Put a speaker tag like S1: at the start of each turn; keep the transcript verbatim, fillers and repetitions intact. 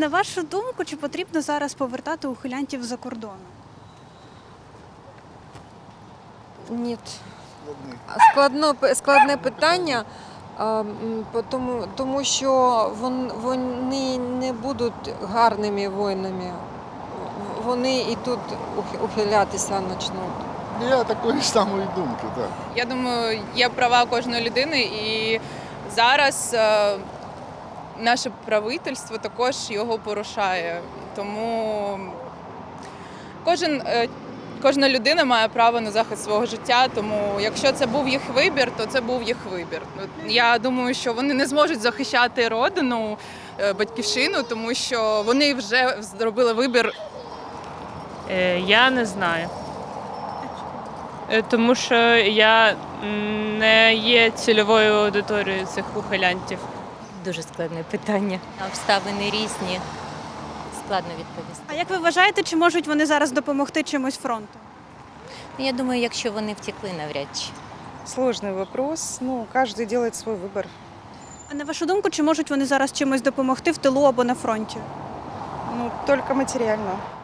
S1: На вашу думку, чи потрібно зараз повертати ухилянтів за кордону?
S2: Ні. Складно, складне питання, а, м, по тому, тому що вон- вони не будуть гарними воїнами. Вони і тут ух- ухилятися почнуть.
S3: Я такої самої думки, так.
S4: Я думаю, є права кожної людини, і зараз е, наше правительство також його порушає. Тому кожен, е, кожна людина має право на захист свого життя. Тому якщо це був їх вибір, то це був їх вибір. Ну, Я думаю, що вони не зможуть захищати родину, е, батьківщину, тому що вони вже зробили вибір.
S5: Е, Я не знаю. Е, Тому що я м, не є цільовою аудиторією цих ухилянтів.
S6: Дуже складне питання. Обставини різні. Складно відповісти.
S1: А як ви вважаєте, чи можуть вони зараз допомогти чимось фронту?
S6: Ну, я думаю, якщо вони втекли, навряд чи.
S7: Сложный вопрос. Ну, каждый делает свой выбор.
S1: А на вашу думку, чи можуть вони зараз чимось допомогти в тилу або на фронті?
S7: Ну, только материально.